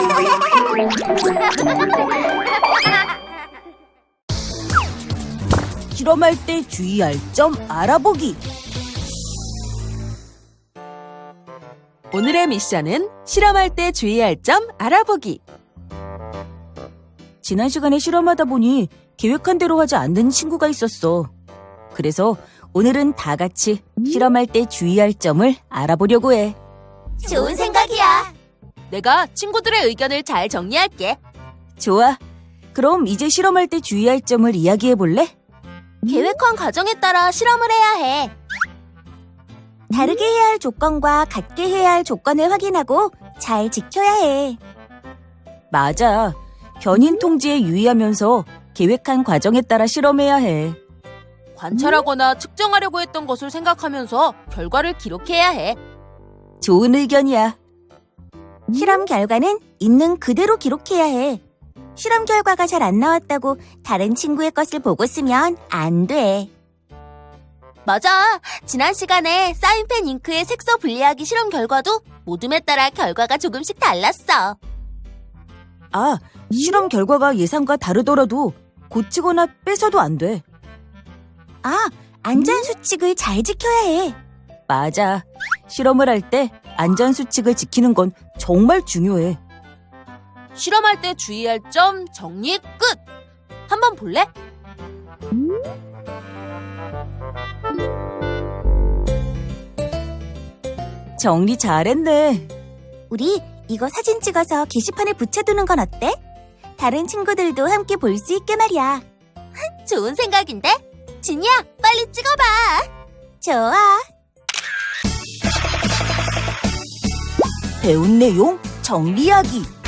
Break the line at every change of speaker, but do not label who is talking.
실험할 때 주의할 점 알아보기.
오늘의 미션은 실험할 때 주의할 점 알아보기.
지난 시간에 실험하다 보니 계획한 대로 하지 않는 친구가 있었어. 그래서 오늘은 다 같이 실험할 때 주의할 점을 알아보려고 해.
좋은 생각이야.
내가 친구들의 의견을 잘 정리할게.
좋아. 그럼 이제 실험할 때 주의할 점을 이야기해 볼래?
계획한 과정에 따라 실험을 해야 해. 다르게 해야 할 조건과 같게 해야 할 조건을 확인하고 잘 지켜야 해.
맞아. 견인 통제에 유의하면서 계획한 과정에 따라 실험해야 해.
관찰하거나 측정하려고 했던 것을 생각하면서 결과를 기록해야 해.
좋은 의견이야.
실험 결과는 있는 그대로 기록해야 해. 실험 결과가 잘 안 나왔다고 다른 친구의 것을 보고 쓰면 안 돼. 맞아. 지난 시간에 사인펜 잉크의 색소 분리하기 실험 결과도 모둠에 따라 결과가 조금씩 달랐어.
아, 실험 결과가 예상과 다르더라도 고치거나 뺏어도 안 돼.
아, 안전수칙을 잘 지켜야 해.
맞아. 실험을 할 때 안전수칙을 지키는 건 정말 중요해.
실험할 때 주의할 점 정리 끝! 한번 볼래?
정리 잘했네.
우리 이거 사진 찍어서 게시판에 붙여두는 건 어때? 다른 친구들도 함께 볼 수 있게 말이야. 좋은 생각인데? 진이야, 빨리 찍어봐. 좋아.
배운 내용 정리하기.